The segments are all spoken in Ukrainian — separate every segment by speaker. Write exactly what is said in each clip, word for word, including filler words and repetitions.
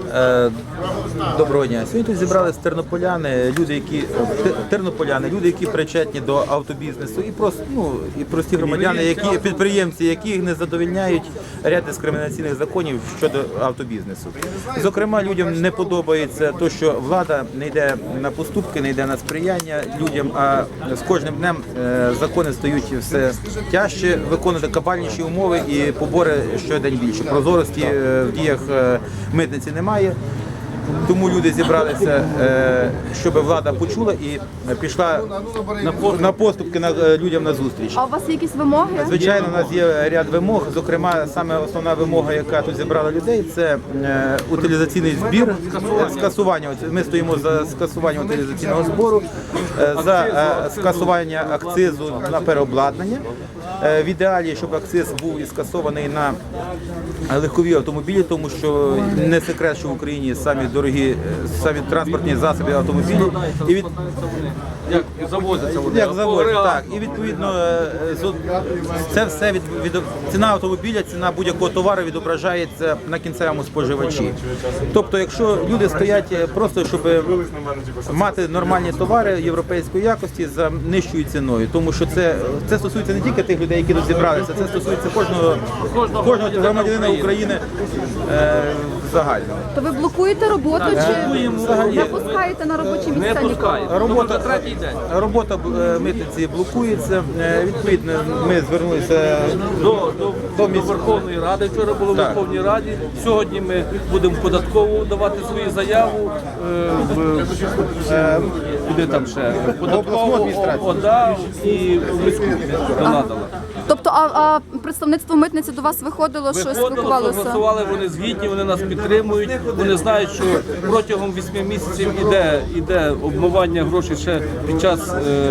Speaker 1: Е, Доброго дня. Сьогодні тут зібралися тернополяни, люди, які тернополяни, люди, які причетні до автобізнесу, і просто ну і прості громадяни, які підприємці, яких не задовольняють ряд дискримінаційних законів щодо автобізнесу. Зокрема, людям не подобається те, що влада не йде на поступки, не йде на сприяння людям, а з кожним днем закони стають все тяжче, виконувати кабальніші умови і побори щодень більше. Прозорості в діях митниці немає. Тому люди зібралися, щоб влада почула і пішла на поступки людям на зустріч.
Speaker 2: А у вас є якісь вимоги?
Speaker 1: Звичайно, у нас є ряд вимог. Зокрема, саме основна вимога, яка тут зібрала людей, це утилізаційний збір, скасування. Ми стоїмо за скасування утилізаційного збору, за скасування акцизу на переобладнання. В ідеалі, щоб акциз був і скасований на легкові автомобілі, тому що не секрет, що в Україні самі дорогі, самі транспортні засоби автомобілі. І від...
Speaker 3: Як завозяться вони.
Speaker 1: Як завозяться, так. І відповідно це все від, від ціна автомобіля, ціна будь-якого товару відображається на кінцевому споживачі. Тобто, якщо люди стоять просто, щоб мати нормальні товари європейської якості за нижчою ціною, тому що це, це стосується не тільки тих людей, які тут зібралися, це стосується кожного, кожного громадянина України е, загально.
Speaker 2: То ви блокуєте роботу чи не пускаєте на робочі місця?
Speaker 3: Не пускаєте.
Speaker 1: Робота, робота митниці блокується. Відповідно, ми звернулися
Speaker 3: до, до, до, до Верховної Ради. Вчора було в Верховній Раді. Сьогодні ми будемо податково давати свою заяву. Е, в, е, куди там ще? Податкову, ОДА і в міську донатила.
Speaker 2: Тобто, а, а представництво митниці до вас виходило, що
Speaker 3: Виходило,
Speaker 2: спілкувалося?
Speaker 3: проголосували, вони згідні, вони нас підтримують, вони знають, що протягом вісьми місяців іде, іде обмивання грошей ще під час е, е,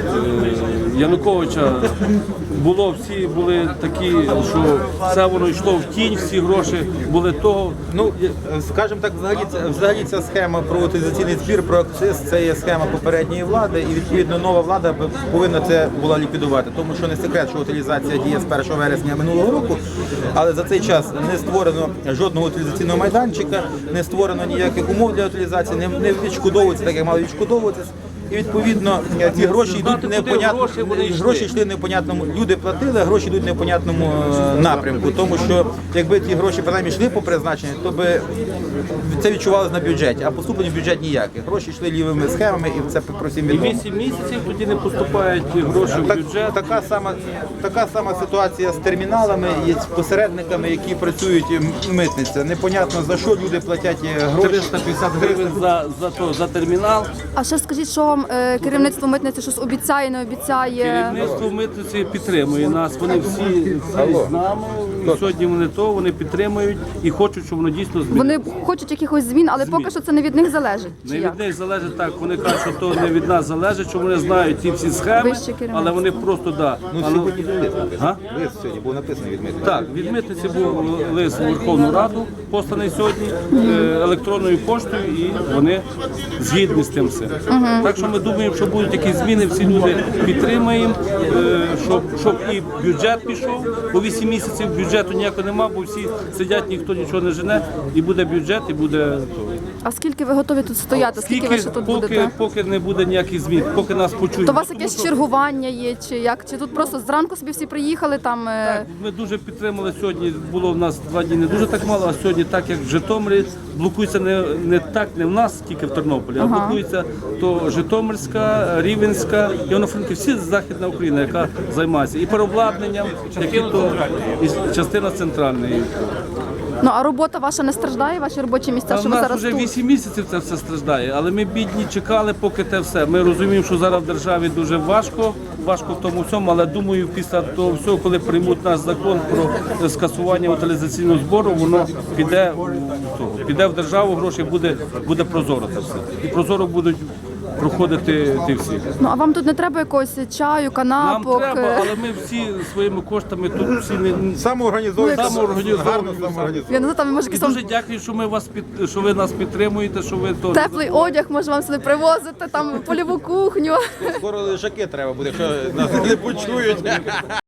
Speaker 3: Януковича. Було, всі були такі, що все воно йшло в тінь, всі гроші були того.
Speaker 1: Ну, скажімо так, взагалі, взагалі ця схема про утилізаційний збір, про акциз, це є схема попередньої влади, і відповідно нова влада повинна це була ліквідувати, тому що не секрет, що утилізація діє з першого вересня минулого року, але за цей час не створено жодного утилізаційного майданчика, не створено ніяких умов для утилізації, не, не відшкодовується так, як мали відшкодовуватися. І відповідно ці гроші йдуть непонятно, гроші йшли непонятному. Люди платили, а гроші йдуть в непонятному напрямку. Тому що якби ті гроші принаймні йшли по призначенню, то би це відчувалося на бюджеті, а поступлення в бюджет ніяких. Гроші йшли лівими схемами, і це про всім відомо.
Speaker 3: І вісім місяців тоді не поступають гроші в
Speaker 1: Так,
Speaker 3: бюджет.
Speaker 1: така сама така сама ситуація з терміналами і з посередниками, які працюють митниця. Непонятно за що люди платять гроші.
Speaker 3: триста п'ятдесят гривень за, за, то, за термінал.
Speaker 2: А ще скажіть, що вам е, керівництво митниці щось обіцяє, не обіцяє?
Speaker 3: Керівництво митниці підтримує нас. Вони всі, всі з нами. І сьогодні вони то, вони підтримують і хочуть, щоб воно дійсно змінилося.
Speaker 2: Вони хочуть якихось змін, але
Speaker 3: Змін.
Speaker 2: поки що це не від них залежить. Чи
Speaker 3: Не
Speaker 2: як?
Speaker 3: від них залежить так. Вони кажуть, що то не від нас залежить, що вони знають ці всі схеми,
Speaker 2: Вище керівництво.
Speaker 3: але вони просто да.
Speaker 1: Ну,
Speaker 3: Але-
Speaker 1: сьогодні був лист
Speaker 3: А?
Speaker 1: написаний. Лист сьогодні був написаний від митниці.
Speaker 3: Так, від митниці був лист у Верховну Раду, посланий сьогодні е, електронною поштою, і вони згідні з тим все. Так що ми думаємо, що будуть якісь зміни, всі люди підтримаємо, е, щоб, щоб і бюджет пішов, бо вісім місяців бюджету ніякого нема, бо всі сидять, ніхто нічого не жене, і буде бюджет, і буде то.
Speaker 2: А скільки ви готові тут стояти? Скільки ви ще тут
Speaker 3: поки,
Speaker 2: будете?
Speaker 3: поки не буде ніяких змін, поки нас почують.
Speaker 2: То у вас
Speaker 3: Тому
Speaker 2: якесь
Speaker 3: що-
Speaker 2: чергування є, чи як? Чи тут просто зранку собі всі приїхали там? е,
Speaker 3: Ми дуже підтримали сьогодні. Було в нас два дні не дуже так мало, а сьогодні, так як в Житомирі, блокується не, не так, не в нас, тільки в Тернополі, а блокується то Житомирська, Рівненська, Івано-Франківська, всі Західна Україна, яка займається і переобладнанням, які то і частина центральної.
Speaker 2: Ну а робота ваша не страждає, ваші робочі місця,
Speaker 3: Та
Speaker 2: що
Speaker 3: в
Speaker 2: ви
Speaker 3: нас
Speaker 2: зараз
Speaker 3: вже
Speaker 2: тут?
Speaker 3: вісім місяців це все страждає, але ми бідні чекали, поки те все. Ми розуміємо, що зараз в державі дуже важко, важко в тому всьому, але думаю, після того всього, коли приймуть наш закон про скасування утилізаційного збору, воно піде в того, піде в державу, гроші буде, буде прозоро це все. І прозоро будуть проходити ті всі.
Speaker 2: Ну а вам тут не треба якогось чаю,
Speaker 3: Нам
Speaker 2: канапок?
Speaker 3: треба,
Speaker 2: е?
Speaker 3: але ми всі своїми коштами тут всі не
Speaker 1: Самоорганізовані,
Speaker 2: Ну,
Speaker 3: самоорганізовані.
Speaker 1: гарно самоорганізовані.
Speaker 2: Я не знаю, там може
Speaker 3: і
Speaker 2: якийсь
Speaker 3: дуже дякую, що ми вас під що ви нас підтримуєте, що ви то
Speaker 2: теплий одяг, може вам сюди привозити, там польову кухню.
Speaker 1: Скоро лежаки треба буде, якщо нас не почують.